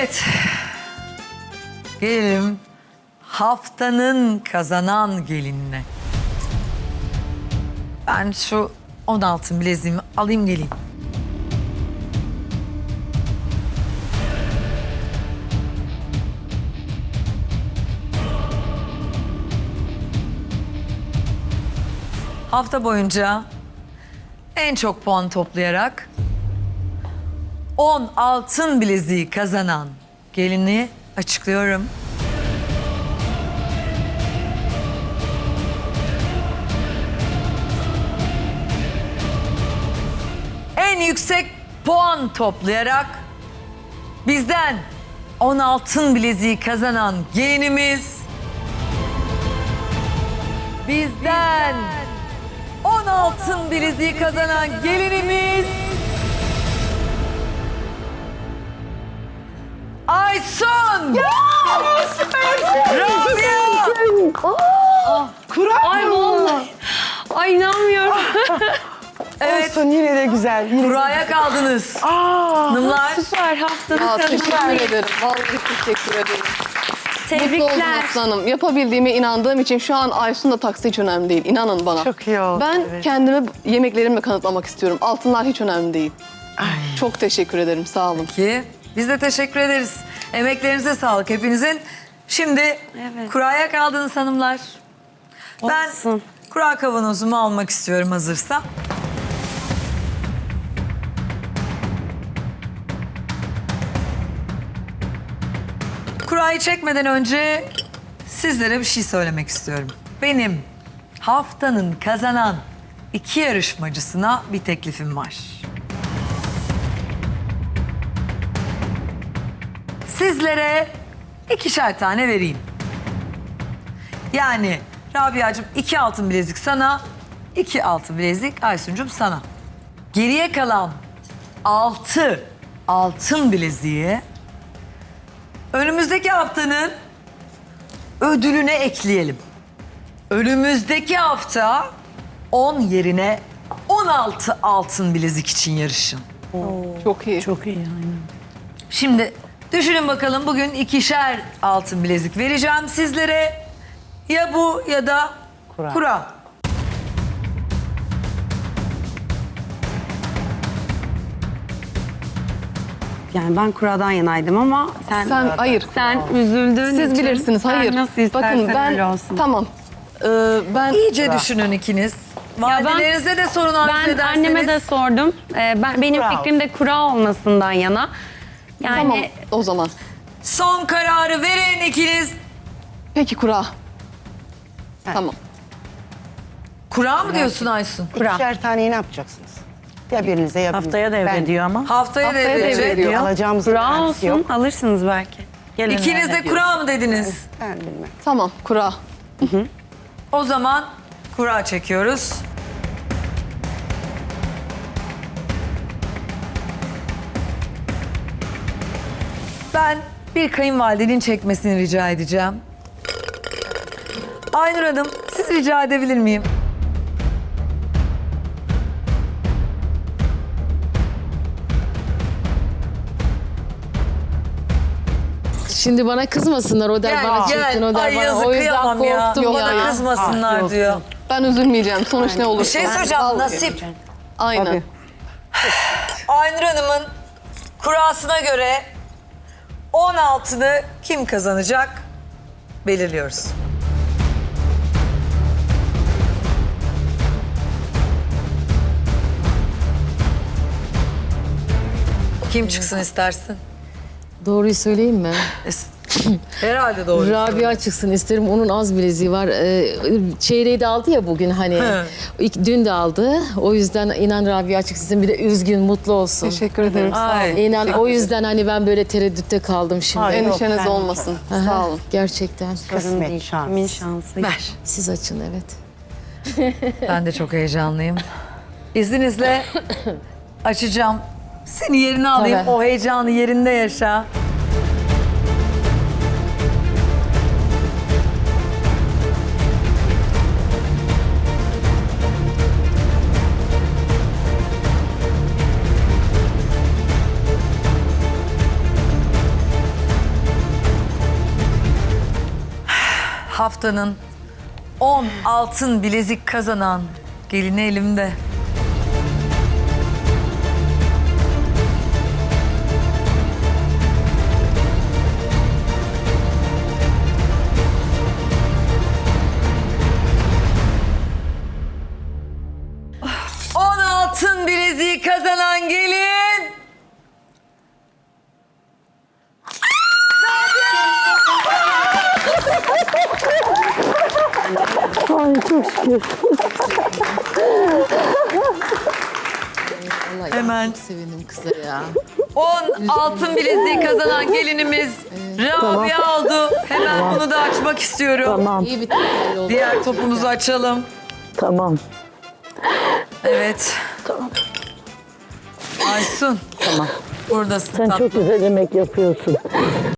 Evet. Gelelim haftanın kazanan gelinine. Ben şu 16 bileziğimi alayım geleyim. Hafta boyunca en çok puan toplayarak 10 altın bileziği kazanan gelini açıklıyorum. En yüksek puan toplayarak bizden 10 altın bileziği kazanan gelinimiz bizden 10 altın bileziği kazanan gelinimiz Aysun! Rabia! Ay vallahi. Ay inanmıyorum. Evet, Olsun, yine de güzel. Yine kuraya kaldınız. Hanımlar, Süper haftanın Aa, teşekkür kazananı. ederim. Vallahi teşekkür ederim. Mutlu oldum Tebrikler. aslanım. Yapabildiğime inandığım için şu an Aysun da taksi hiç önemli değil. İnanın bana. Çok iyi oldu, Ben evet. kendimi yemeklerimle kanıtlamak istiyorum. Altınlar hiç önemli değil. Çok teşekkür ederim. Sağ olun. ki biz de teşekkür ederiz. Emeklerinize sağlık hepinizin. Şimdi Evet. kuraya kaldınız hanımlar. Ben Olsun. kura kavanozumu almak istiyorum hazırsa. Kurayı çekmeden önce sizlere bir şey söylemek istiyorum. Benim haftanın kazanan 2 yarışmacısına bir teklifim var. Sizlere 2'şer tane vereyim. Yani Rabia'cığım 2 altın bilezik sana, 2 altın bilezik Aysun'cum sana. Geriye kalan 6 altın bileziği önümüzdeki haftanın ödülüne ekleyelim. Önümüzdeki hafta 10 yerine 16 altın bilezik için yarışın. Çok iyi. Çok iyi aynen. Şimdi düşünün bakalım, bugün 2'şer altın bilezik vereceğim sizlere. Ya bu ya da kura. Yani ben kuradan yanaydım ama sen Hayır. sen üzüldün. Siz bilirsiniz. Hayır. Sen nasıl istersen Bakın ben öyle olsun. tamam. Ben İyice düşünün ikiniz. Validelerinize de sorun arzu Ben ederseniz. anneme de sordum. Benim Kura fikrim de kura olmasından yana. Yani tamam o zaman. Son kararı verin ikiniz. Peki kura. Tamam. Kura mı diyorsun Aysun? İkişer taneyi ne yapacaksınız? Ya birinize ya birinize. Haftaya devrediyor ama. Haftaya Haftaya devredecek. devrediyor. Alacağımız kura garantisi olsun yok. alırsınız belki. Gelin İkiniz de kura mı dediniz? Ben bilmem. Tamam kura. O zaman kura çekiyoruz. Ben bir kayınvalidenin çekmesini rica edeceğim. Aynur Hanım, siz rica edebilir miyim? Şimdi bana kızmasınlar o der bana çektin o der Ay bana yazık, o yüzden kıyamam ya. korktum Bana ya. kızmasınlar diyor. Ben üzülmeyeceğim. Sonuç ne olursa. Bir şey söyleyeceğim, Vallahi. nasip. Aynen. Aynur Hanım'ın kurasına göre 16'ını kim kazanacak belirliyoruz. Kim çıksın istersin? Doğruyu söyleyeyim mi? Herhalde doğru. Rabia çıksın isterim, onun az bileziği var. Çeyreği de aldı ya bugün hani. Dün de aldı. O yüzden inan Rabia çıksın. Bir de üzgün, mutlu olsun. Teşekkür ederim. Sağ olun. Ay. İnan o yüzden hani ben böyle tereddütte kaldım şimdi. Hayır. Endişeniz Yok, ben- olmasın. Aha, Sağ olun. Gerçekten. Kısmet, şans. Kimin şansı? Ver. Siz açın evet. Ben de çok heyecanlıyım. İzninizle açacağım. Seni yerine alayım. Tabii. O heyecanı yerinde yaşa. haftanın 10 altın bilezik kazanan gelini elimde. On altın bileziği kazanan gelin. Ay çok şükür. Allah Hemen. Çok sevindim kıza ya. 10 altın bileziği kazanan gelinimiz Rabia oldu. Hemen bunu da açmak istiyorum. Tamam, İyi bir tekerli oldu. Diğer topumuzu açalım. tamam, Evet. tamam. Aysun. Tamam. Buradasın Sen tatlım. çok güzel yemek yapıyorsun.